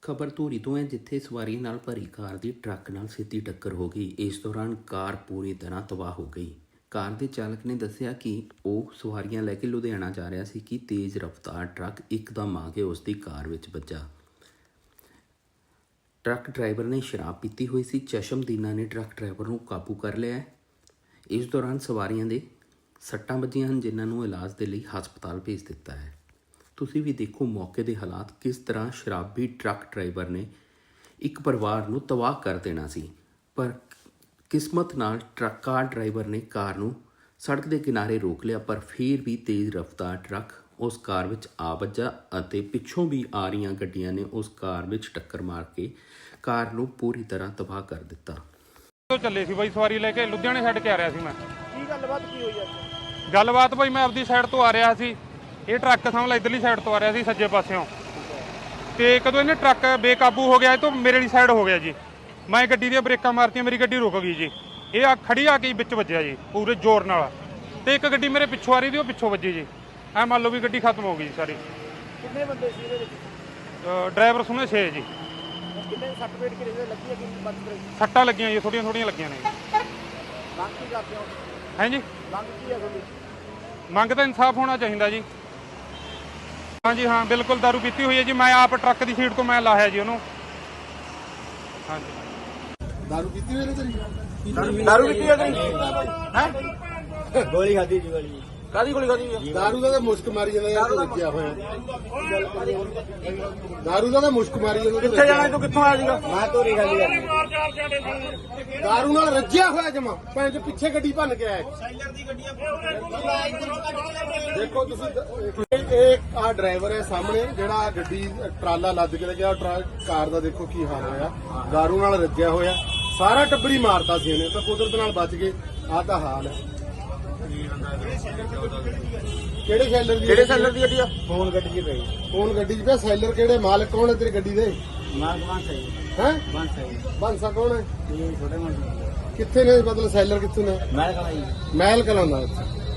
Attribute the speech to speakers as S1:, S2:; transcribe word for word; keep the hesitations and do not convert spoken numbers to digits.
S1: खबर धूरी तो है जिथे सवारियों नाल भरी कार की ट्रक नाल सीधी टक्कर हो गई। इस दौरान कार पूरी तरह तबाह हो गई। कार के चालक ने दस्सिया कि वह सवारियां लैके लुधियाना जा रहा सी कि तेज़ रफ्तार ट्रक एकदम आके उसकी कार विच वज्जा। ट्रक ड्राइवर ने शराब पीती हुई सी। चशमदीना ने ट्रक ड्राइवर को काबू कर लिया। इस दौरान सवारियों के सट्टां वजियां हैं जिन्होंने इलाज के लिए हस्पताल भेज दिता है। तुसी भी देखो मौके के हालात किस तरह शराबी ट्रक ड्राइवर ने एक परिवार नूं तबाह कर देना सी, पर किस्मत नाल ट्रक कार ड्राइवर ने कार नूं सड़क के किनारे रोक लिया, पर फिर भी तेज़ रफ्तार ट्रक उस कार विच आ वज्जा अते पिछों भी आ रही गड्डियां ने उस कार विच टक्कर मार के कार नूं पूरी तरह तबाह कर दिता।
S2: तो चले सी बई सवारी लेके लुधियाने छड्ड के आ रहा सी। मैं
S3: की गलबात की हुई है?
S2: गलबात बई मैं अपनी साइड तो आ रहा सी, ये ट्रक समझ ला इधरली साइड तो आ रहा सी सज्जे पासियों, तो कदों इन्हें ट्रक बेकाबू हो गया तो मेरे वाली साइड हो गया जी। मैं गड्डी दी ब्रेकां मारतियां, मेरी गड्डी रुक गई जी। ये आ खड़ी आके विच वज्जिया जी पूरे जोर नाल, ते एक गड्डी मेरे पिछों आ रही थी, वो पिछों वज्जी जी। ऐ मान लो भी गड्डी खत्म हो गई सारी।
S3: कितने बंदे सी ਇਹਦੇ ਵਿੱਚ?
S2: ड्राइवर सुने छे जी।
S3: कितने सੱਟ ਵੇਟ ਕਿਹਦੇ ਲੱਗੀ ਹੈ ਕਿ ਬਚ ਗਈ?
S2: सट्टां लगियां जी, थोड़ियां थोड़ियां लगियां ने।
S3: ਮੰਗ ਕੀ ਕਰਦੇ ਹੋ?
S2: हैं जी
S3: ਮੰਗ ਕੀ ਹੈ ਤੁਹਾਡੀ?
S2: ਮੰਗ ਤਾਂ ਇਨਸਾਫ ਹੋਣਾ ਚਾਹੀਦਾ ਜੀ। हाँ जी हाँ बिल्कुल, दारू पीती हुई है जी। मैं आप ट्रक की सीट तो मैं लाया जी उन्होंने। हाँ जी
S4: दारू पीती हुई है तेरी?
S3: दारू ਪੀਤੀ ਹੈ ਤੁਸੀਂ? ਹੈ
S4: ਗੋਲੀ ਖਾਦੀ ਜੀ ਗੋਲੀ
S3: ਕਾਦੀ ਗੋਲੀ ਖਾਦੀ ਹੈ?
S4: दारू ਦਾ ਤਾਂ ਮੁਸ਼ਕ ਮਾਰੀ ਜਾਂਦਾ ਯਾਰ, ਤੂੰ ਰੱਜਿਆ ਹੋਇਆ दारू ਦਾ ਤਾਂ ਮੁਸ਼ਕ ਮਾਰੀ ਜਾਂਦਾ।
S3: ਕਿੱਥੇ ਜਾਣਾ ਤੂੰ? ਕਿੱਥੋਂ ਆਇਆ ਸੀਗਾ?
S4: ਮੈਂ ਤੋਰੀ ਖਾਲੀ ਕਰਨੀ दारू ਨਾਲ ਰੱਜਿਆ ਹੋਇਆ ਜਮਾ ਭੈਣ ਚ ਪਿੱਛੇ ਗੱਡੀ ਭੰਨ ਕੇ ਆਇਆ। ਦੇਖੋ ਤੁਸੀਂ ਇਹ ਆ ਡਰਾਈਵਰ ਹੈ ਸਾਹਮਣੇ ਜਿਹੜਾ ਗੱਡੀ ਟਰਾਲਾ ਲੱਦ ਕੇ ਲੈ ਗਿਆ। ਕਾਰ ਦਾ ਦੇਖੋ ਕੀ ਹਾਲ ਹੋਇਆ, दारू ਨਾਲ ਰੱਜਿਆ ਹੋਇਆ। ਸਾਰਾ ਟੱਬਰੀ ਮਾਰਤਾ ਸੀ ਇਹਨੇ, ਤਾਂ ਕੁਦਰਤ ਨਾਲ ਬਚ ਗਏ। ਆਹ ਤਾਂ ਹਾਲ ਹੈ। ਕਿਹੜੇ ਸੈਲਰ ਦੀ?
S3: ਕਿਹੜੇ ਸੈਲਰ ਦੀ ਗੱਡੀ ਆ?
S4: ਫੋਨ ਗੱਡੀ 'ਚ ਪਈ। ਫੋਨ ਗੱਡੀ 'ਚ ਪਿਆ। ਸੈਲਰ ਕਿਹੜੇ? ਮਾਲਕ ਕੌਣ ਹੈ ਤੇਰੀ ਗੱਡੀ ਦੇ?
S3: ਮਾਰ ਮਾਰ ਸਹੀ
S4: ਹੈ
S3: ਬੰਦ ਸਹੀ
S4: ਬੰਸਾ ਕੌਣ ਹੈ?
S3: ਇਹ ਛੋਟੇ ਮੁੰਡੇ
S4: ਕਿੱਥੇ ਨੇ? ਮਤਲਬ ਸੈਲਰ ਕਿੱਥੇ ਨੇ?
S3: ਮੈਂ ਕਹਾਂ ਜੀ
S4: ਮਹਿਲ ਕਲਾਂ ਦਾ।